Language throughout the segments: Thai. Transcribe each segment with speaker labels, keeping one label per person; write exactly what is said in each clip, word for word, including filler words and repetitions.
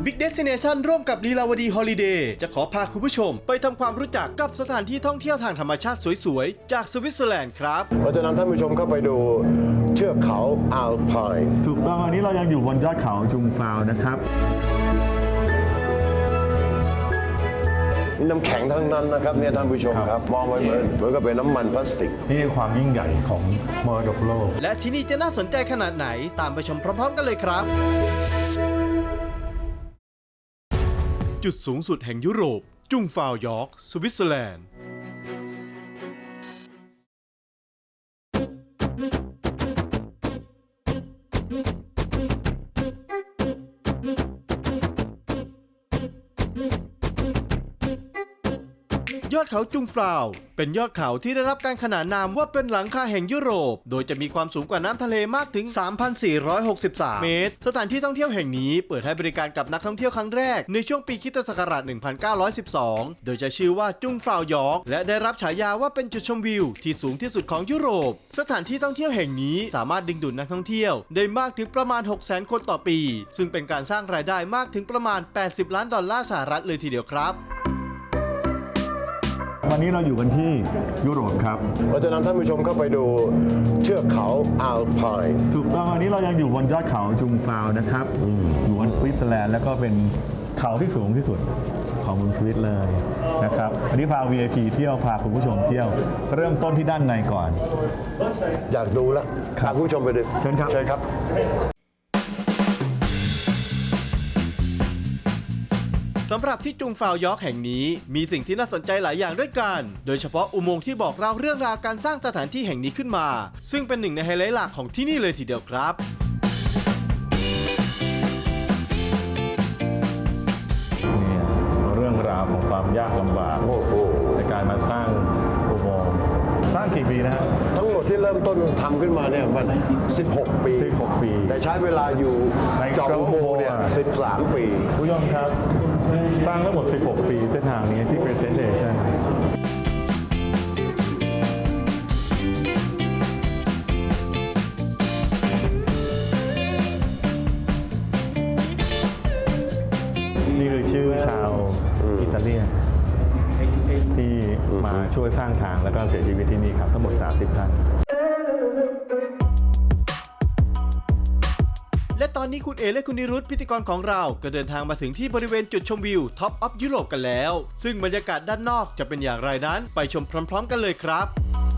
Speaker 1: Big Destination ร่วมกับลีลาวดีฮอลิเดย์จะขอพาคุณผู้ชมไปทำความรู้จักกับสถานที่ท่องเที่ยวทางธรรมชาติสวยๆจากสวิตเซอร์แลนด์ครับ
Speaker 2: เราจะนำท่านผู้ชมเข้าไปดูเทือกเขาอัลไพน์
Speaker 3: ถูกต้องอันนี้เรายังอยู่บนยอดเขาจุงฟาวนะครับ
Speaker 2: น้ำแข็งทั้งนั้นนะครับเนี่ยท่านผู้ชมครับมองไปเหมือนเหมือนกับเป็นน้ำมันพลาสติก
Speaker 3: นี่คือความยิ่งใหญ่ของมรดกโลก
Speaker 1: และที่นี่จะน่าสนใจขนาดไหนตามไปชมพร้อมๆกันเลยครับจุดสูงสุดแห่งยุโรปจุงฟาวยอร์กสวิตเซอร์แลนด์ยอดเขาจุงฟาวเป็นยอดเขาที่ได้รับการขนานนามว่าเป็นหลังคาแห่งยุโรปโดยจะมีความสูงกว่าน้ำทะเลมากถึง สามพันสี่ร้อยหกสิบสาม เมตรสถานที่ท่องเที่ยวแห่งนี้เปิดให้บริการกับนักท่องเที่ยวครั้งแรกในช่วงปีคริสตศักราช หนึ่งพันเก้าร้อยสิบสอง โดยจะชื่อว่าจุงฟาวยอร์กและได้รับฉายาว่าเป็นจุดชมวิวที่สูงที่สุดของยุโรปสถานที่ท่องเที่ยวแห่งนี้สามารถดึงดูดนักท่องเที่ยวได้มากถึงประมาณ หกแสน คนต่อปีซึ่งเป็นการสร้างรายได้มากถึงประมาณ แปดสิบ ล้านดอลลาร์สหรัฐเลยทีเดียวครับ
Speaker 3: วันนี้เราอยู่กันที่ยุโรปครับ
Speaker 2: เราจะนำท่านผู้ชมเข้าไปดูเทือกเขาอัลไพน์
Speaker 3: ถูกต้องอันนี้เรายังอยู่บนยอดเขาจุงฟาวนะครับอยู่บนสวิตเซอร์แลนด์แล้วก็เป็นเขาที่สูงที่สุดของเมืองสวิตเลยนะครับอันนี้พา วี ไอ พี เที่ยวพาคุณผู้ชมเที่ยวเริ่มต้นที่ด้านในก่อน
Speaker 2: อยากดูแล้วพาคุณผู้ชมไปดู
Speaker 3: เชิญครับ
Speaker 2: เชิญครับ
Speaker 1: สำหรับที่จุงฟาวยอร์กแห่งนี้มีสิ่งที่น่าสนใจหลายอย่างด้วยกันโดยเฉพาะอุโมงค์ที่บอกเล่าเรื่องราวการสร้างสถานที่แห่งนี้ขึ้นมาซึ่งเป็นหนึ่งในไฮไลท์หลักของที่นี่เลยทีเดียวครับ
Speaker 3: เนี่ยเรื่องราวของความยากลำบากในการมาสร้างอุโมงค์สร้างกี่ปีนะฮะ
Speaker 2: ทั้งหมดที่เริ่มต้นทำขึ้นมาเนี่ยมันสิบหกปี
Speaker 3: สิบหกปี
Speaker 2: แต่ใช้เวลาอยู่
Speaker 3: ใน
Speaker 2: จอมอุโมงค์เนี่ยสิบสามปี
Speaker 3: ผู้ชมครับสร้างทั้งหมดสิบหกปีเส้นทางนี้ที่ Presentation นี่คือชื่อชาวอิตาเลียนที่มาช่วยสร้างทางแล้วก็เสียชีวิตที่นี่ครับทั้งหมดสามสิบท่าน
Speaker 1: และตอนนี้คุณเอและคุณนิรุตพิธีกรของเราก็เดินทางมาถึงที่บริเวณจุดชมวิวท็อปออฟยุโรปกันแล้วซึ่งบรรยากาศด้านนอกจะเป็นอย่างไรนั้นไปชมพร้อมๆกันเลยครับ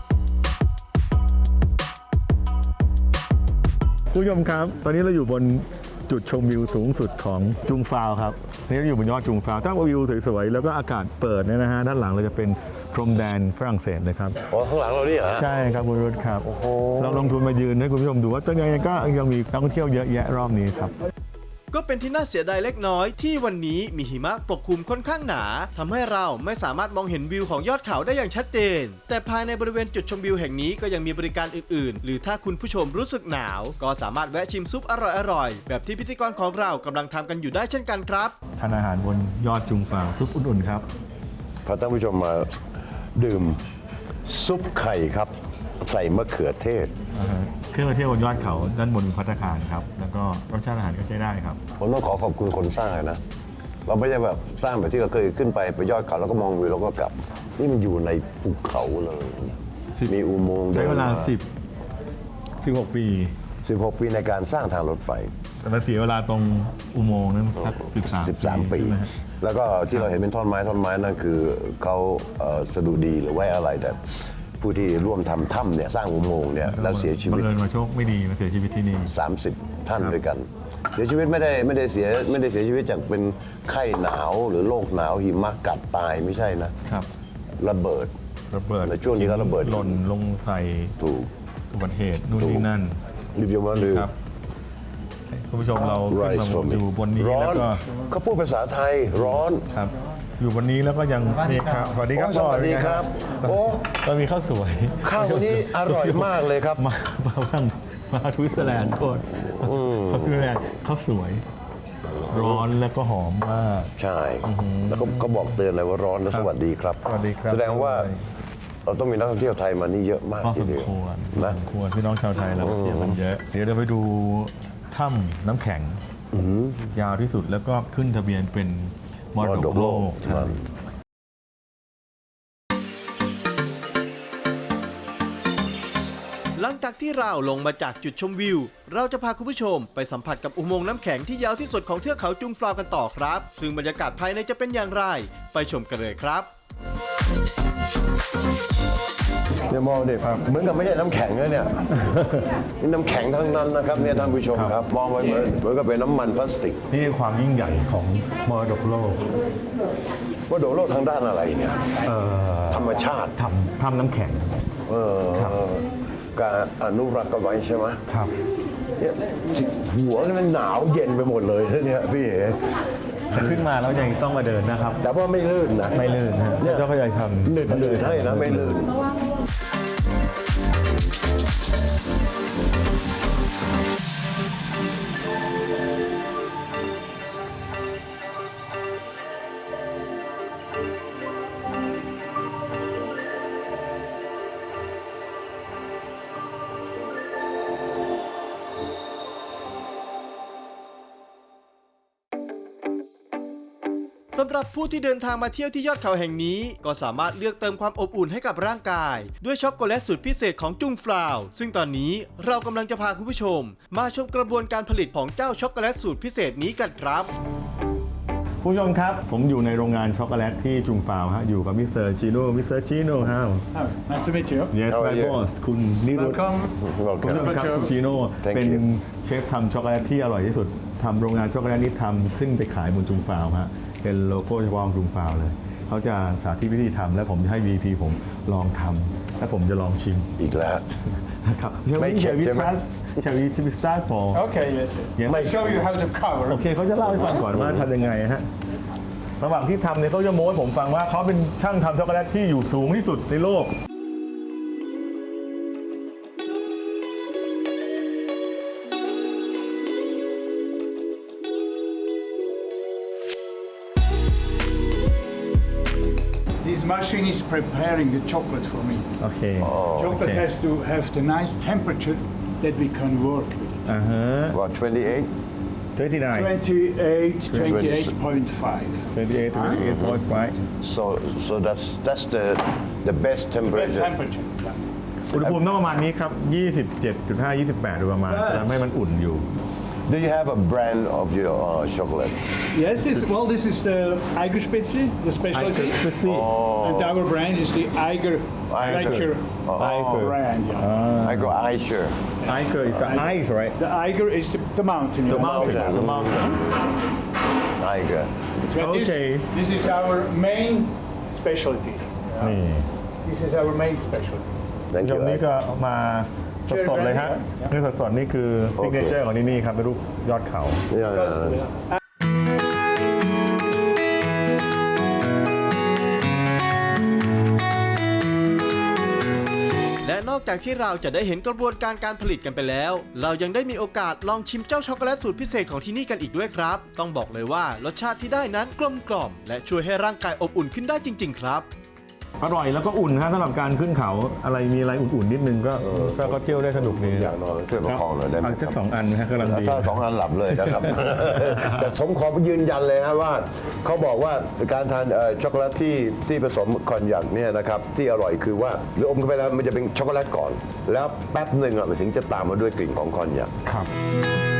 Speaker 3: ผู้ชมครับตอนนี้เราอยู่บนจุดชมวิวสูงสุดของจุงฟาวครับนี่เราอยู่บนยอดจุงฟาวถ้าวิวสวยๆแล้วก็อากาศเปิดเนี่ยนะฮะด้านหลังเราจะเป็นพรมแดนฝรั่งเศสเลยครับ
Speaker 2: อ๋อข้างหลังเราเนี่ยเหรอ
Speaker 3: ใช่ครับคุณรุ่ครับเราลงทุนมายืนให้คุณผู้ชมดูว่าตอนนี้ก็ยังมีนักท่องเที่ยวเยอะแยะรอบนี้ครับ
Speaker 1: ก็เป็นที่น่าเสียดายเล็กน้อยที่วันนี้มีหิมะปกคลุมค่อนข้างหนาทำให้เราไม่สามารถมองเห็นวิวของยอดเขาได้อย่างชัดเจนแต่ภายในบริเวณจุดชมวิวแห่งนี้ก็ยังมีบริการอื่นๆหรือถ้าคุณผู้ชมรู้สึกหนาวก็สามารถแวะชิมซุปอร่อยๆแบบที่พิธีกรของเรากำลังทำกันอยู่ได้เช่นกันครับ
Speaker 3: ทานอาหารบนยอดจุงฟาวซุปอุ่นๆครับ
Speaker 2: พาท่านผู้ชมมาดื่มซุปไข่ครับใส่มะเขือเทศ
Speaker 3: เครื่องเที่ยวบนยอดเขาด้านบนภัตตาคารครับแล้วก็รสชาติอาหารก็ใช้ได้ครับ
Speaker 2: ผมต้องขอขอบคุณคนสร้างเลยนะเราไม่ใช่แบบสร้างแบบที่เราเคยขึ้นไปไปยอดเขาแล้วก็มองวิวแล้วก็กลับนี่มันอยู่ในภูเขาเลยมีอุโมงค์
Speaker 3: ใช้เวลาสิบ สิบหกปี
Speaker 2: สิบหกปีในการสร้างทางรถไฟ
Speaker 3: แต่มาเสียเวลาตรงอุโมงค์นั้นสักสิบสาม
Speaker 2: สิบสามปีแล้วก็ที่เราเห็นเป็นท่อนไม้ท่อนไม้นั่นคือเขาสดุดีหรือไว้อะไรแต่ผู้ที่ร่วมทำถ้ำเนี่ยสร้างอุโมงค์เนี่ยแล้วเสียชีวิต
Speaker 3: บังเอิญมาโชคไม่ดีมาเสียชีวิตที่นี่
Speaker 2: สามสิบท่านด้วยกันเสียชีวิตไม่ได้ไม่ได้เสียไม่ได้เสียชีวิตจากเป็นไข้หนาวหรือโรคหนาวหิมะกัดตายไม่ใช่นะครับระเบิด
Speaker 3: ระเบิด
Speaker 2: ในช่วงนี้ก็ระเบิด
Speaker 3: หล่นลงใส่
Speaker 2: ถูก
Speaker 3: อุบัติเหตุนู่นนี่นั่น
Speaker 2: รีบยมาเลย
Speaker 3: ครับคุณผู้ชมเราขึ้นมาอยู่บนนี้แล้วก็
Speaker 2: เขาพูดภาษาไทยร้อน
Speaker 3: ครับอยู่บนนี้แล้วก็ยังนี่ครับสวัสดีครับ
Speaker 2: สวัสดีครับโอ้
Speaker 3: เรามีข้าวสวย
Speaker 2: ข้าวนี้อร่อยมากเลยครับ
Speaker 3: มามาบ้างมาสวิตเซอร์แลนด์โทษสวิตเซอร์แลนด์ข้าวสวยร้อนแล้วก็หอมมาก
Speaker 2: ใช่แล้วก็เขาบอกเตือนเลยว่าร้อนและสวัสดีครับ
Speaker 3: สวัสดีครับ
Speaker 2: แสดงว่าเราต้องมีนักท่องเที่ยวไทยมานี่เยอะมาก
Speaker 3: ทีเดียวนะควรพี่น้องชาวไทยเราเที่ยวกันเยอะเดี๋ยวเราไปดูถ้ำน้ำแข็งยาวที่สุดแล้วก็ขึ้นทะเบียนเป็นมรดกโลกใช่
Speaker 1: หลังจากที่เราลงมาจากจุดชมวิวเราจะพาคุณผู้ชมไปสัมผัสกับอุโมงค์น้ำแข็งที่ยาวที่สุดของเทือกเขาจุงฟลาวกันต่อครับซึ่งบรรยากาศภายในจะเป็นอย่างไรไปชมกันเลยครับ
Speaker 2: เนี่ยมองดิเหมือนกับไม่ใช่น้ำแข็งเลยเนี่ย นี่น้ำแข็งทั้งนั้นนะครับเนี่ยท่านผู้ชมครับมองไปเหมือนเหมือนกับเป็นน้ำมันพลาสติก
Speaker 3: นี่คือความยิ่งใหญ่ของมรดกโลก
Speaker 2: ว่าโดดโลกทางด้านอะไรเนี่ย
Speaker 3: เอ่อ
Speaker 2: ธรรมชาติ
Speaker 3: ทำทำน้ำแข็ง
Speaker 2: เออการอนุรักษ์กันไว้ใช่ไหม
Speaker 3: ครับ
Speaker 2: เนี่ยหัวนี่มันหนาวเย็นไปหมดเลยเนี่ยพี่เอ๋
Speaker 3: แต่ขึ้นมาแล้วยังต้องมาเดินนะครับ
Speaker 2: แต่ว่าไม่ลื่นนะ
Speaker 3: ไม่ลื่นนะ
Speaker 2: เนี่ย
Speaker 3: เจ้าพระยาทำ
Speaker 2: หนืดหนืดให้นะไม่ลื่น
Speaker 1: สำหรับผู้ที่เดินทางมาเที่ยวที่ยอดเขาแห่งนี้ก็สามารถเลือกเติมความอบอุ่นให้กับร่างกายด้วยช็อกโกแลตสูตรพิเศษของจุงฟลาวซึ่งตอนนี้เรากำลังจะพาคุณผู้ชมมาชมกระบวนการผลิตของเจ้าช็อกโกแลตสูตรพิเศษนี้กันครับ
Speaker 3: ผู้ชมครับ ผมอยู่ในโรงงานช็อกโกแลตที่จุงฟาวฮะอยู่กับมิสเตอร์จีโน่มิสเตอร์จีโน่ฮาว
Speaker 4: Oh, nice to meet you.
Speaker 3: Yes
Speaker 2: How are
Speaker 3: my
Speaker 2: you?
Speaker 3: boss คุณนิรุต
Speaker 4: Welcome.
Speaker 3: คุณผู้ชมครับ
Speaker 4: Welcome.
Speaker 3: คุณจีโน่
Speaker 2: Thank
Speaker 3: เป็น
Speaker 2: you.
Speaker 3: เชฟทำช็อกโกแลตที่อร่อยที่สุดทำโรงงานช็อกโกแลตนี้ทำขึ้นไปขายบนจุงฟาวฮะเป็นโลโก้เฉพาะของจุงฟาวเลยเขาจะสาธิตวิธีทำและผมจะให้ วี พี ผมลองทำและผมจะลองชิม
Speaker 2: อีกแล้ว
Speaker 3: นะครับ Shall
Speaker 2: ไม่
Speaker 3: we
Speaker 2: เข็ด
Speaker 3: shall we
Speaker 2: ใช่ไหม
Speaker 3: start Shall we shall we start for
Speaker 4: Okay, yes.
Speaker 3: Yes.
Speaker 4: I'll show you how to cover.
Speaker 3: โอเคเขาจะเล่าให้ฟังก่อนว่าทำยังไงฮะระหว่างที่ทำเนี่ยเขาจะโม้ให้ผมฟังว่าเขาเป็นช่างทำช็อกโกแลตที่อยู่สูงที่สุดในโลก
Speaker 4: This machine is preparing the chocolate for me.
Speaker 3: โอเค
Speaker 4: Chocolate
Speaker 3: okay.
Speaker 4: has to have the nice temperature that we can work with.
Speaker 3: อ่าฮะ
Speaker 2: about twenty-eight
Speaker 3: twenty-nine
Speaker 4: twenty-eight, twenty-eight point five.
Speaker 3: twenty-eight twenty-eight point five
Speaker 2: so so that's that's the the best
Speaker 4: Best
Speaker 2: temperature
Speaker 4: temperature. Yeah.
Speaker 3: อุณหภูมิต้องประมาณนี้ครับ ยี่สิบเจ็ดจุดห้า ยี่สิบแปดโดยประมาณจะทำให้มันอุ่นอยู่
Speaker 2: do you have a brand of your uh, chocolate
Speaker 4: Yes, this, well, this is the Eiger Spätzle, the specialty. And our brand is the Eiger
Speaker 2: Eiger.
Speaker 4: Lecture
Speaker 3: Eiger.
Speaker 4: brand. Yeah.
Speaker 2: I go Aisher
Speaker 3: I c is the ice right
Speaker 4: The Eiger is the, the mountain.
Speaker 3: the
Speaker 4: yeah.
Speaker 3: mountain the mountain
Speaker 2: Tiger
Speaker 4: So this,
Speaker 3: Okay.
Speaker 4: this is our main specialty.
Speaker 3: นี่
Speaker 4: This is our main specialty.
Speaker 2: thank
Speaker 3: ช
Speaker 2: you
Speaker 3: มนี่ก็มาสดๆเลยฮะนี่สดๆนี่คือซิกเนเจอร์ของที่นี่ครับเป็นรูปยอดเขา
Speaker 2: Yeah.
Speaker 1: และนอกจากที่เราจะได้เห็นกระบวนการการผลิตกันไปแล้ว เรายังได้มีโอกาสลองชิมเจ้าช็อกโกแลตสูตรพิเศษของที่นี่กันอีกด้วยครับ ต้องบอกเลยว่ารสชาติที่ได้นั้นกลมกล่อมและช่วยให้ร่างกายอบอุ่นขึ้นได้จริง ๆ ครับ
Speaker 3: อร่อยแล้วก็อุ่นฮะสำหรับการขึ้นเขาอะไรมีอะไรอุ่นๆนิดนึงก็ก็ก็เที่ยวได้สนุกดี
Speaker 2: อยากนอนช่วยประคองหน่อยได้ไหม
Speaker 3: เอาสักสองอันนะฮะกำลังดี
Speaker 2: ถ้าสองอันหลับเลยนะครับ แต่ผมขอยืนยันเลยฮะว่าเขาบอกว่าการทานเอ่อช็อกโกแลตที่ที่ผสมคอนยักเนี่ยนะครับที่อร่อยคือว่าหรืออมเข้าไปแล้วมันจะเป็นช็อกโกแลตก่อน แล้วแป๊บหนึ่งอ่ะมันถึงจะตามมาด้วยกลิ่นของคอนยัก
Speaker 3: ครับ